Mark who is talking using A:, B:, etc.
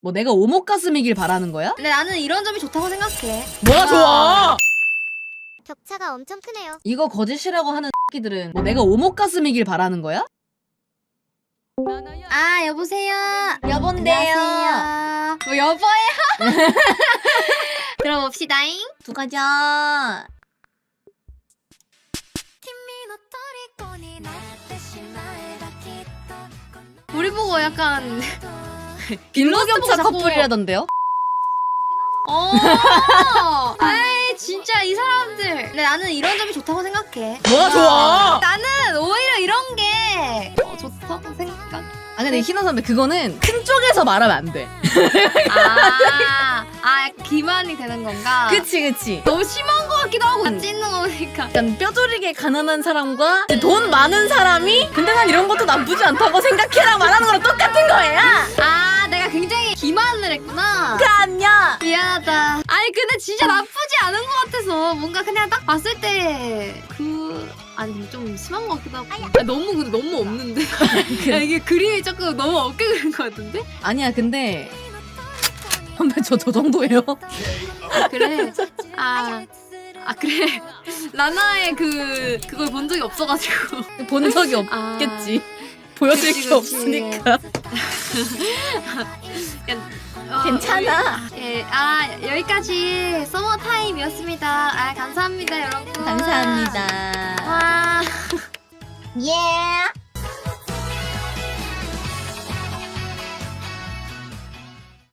A: 뭐 내가 오목가슴이길 바라는 거야?
B: 근데 나는 이런 점이 좋다고 생각해.
A: 뭐가 좋아?
C: 격차가 엄청 크네요.
A: 이거 거짓이라고 하는 새끼들은 뭐 내가 오목가슴이길 바라는 거야?
B: 아, 여보세요.
A: 여본데요.
B: 안녕하세요. 뭐 여보예요? 들어봅시다잉.
A: 두 가자.
B: 우리 보고 약간
A: 빈부격차
B: 자꾸-
A: 커플이라던데요?
B: 아이 진짜 이 사람들. 근데 나는 이런 점이 좋다고 생각해.
A: 뭐가 좋아?
B: 나는 오히려 이런 게 좋다고 생각.
A: 아 근데 희나 선배 그거는 큰 쪽에서 말하면 안 돼.
B: 기만이 되는 건가?
A: 그치.
B: 너무 심한 것 같기도 하고 찢는 거 보니까.
A: 약간 뼈저리게 가난한 사람과 돈 많은 사람이 근데 난 이런 것도 나쁘지 않다고 생각해라 말하는 거랑 똑같은 거예요.
B: 내가 굉장히 기만을 했구나.
A: 그럼요.
B: 미안하다. 아니 근데 진짜 나쁘지 않은 것 같아서 뭔가 그냥 딱 봤을 때 아니 근데 좀 심한 것 같기도 하고. 근데 너무 없는데. 야, 이게 그림이 조금 너무 없게 그린 것 같은데?
A: 아니야 근데 선배 저 정도예요.
B: 그래. 그래. 나나의 그걸 본 적이 없어가지고.
A: 본 적이 없겠지. 보여줄
B: 그치,
A: 게
B: 그치.
A: 없으니까. 괜찮아.
B: 예, 여기까지 서머 타임이었습니다. 감사합니다, 여러분.
A: 감사합니다.
B: 와.
A: 예.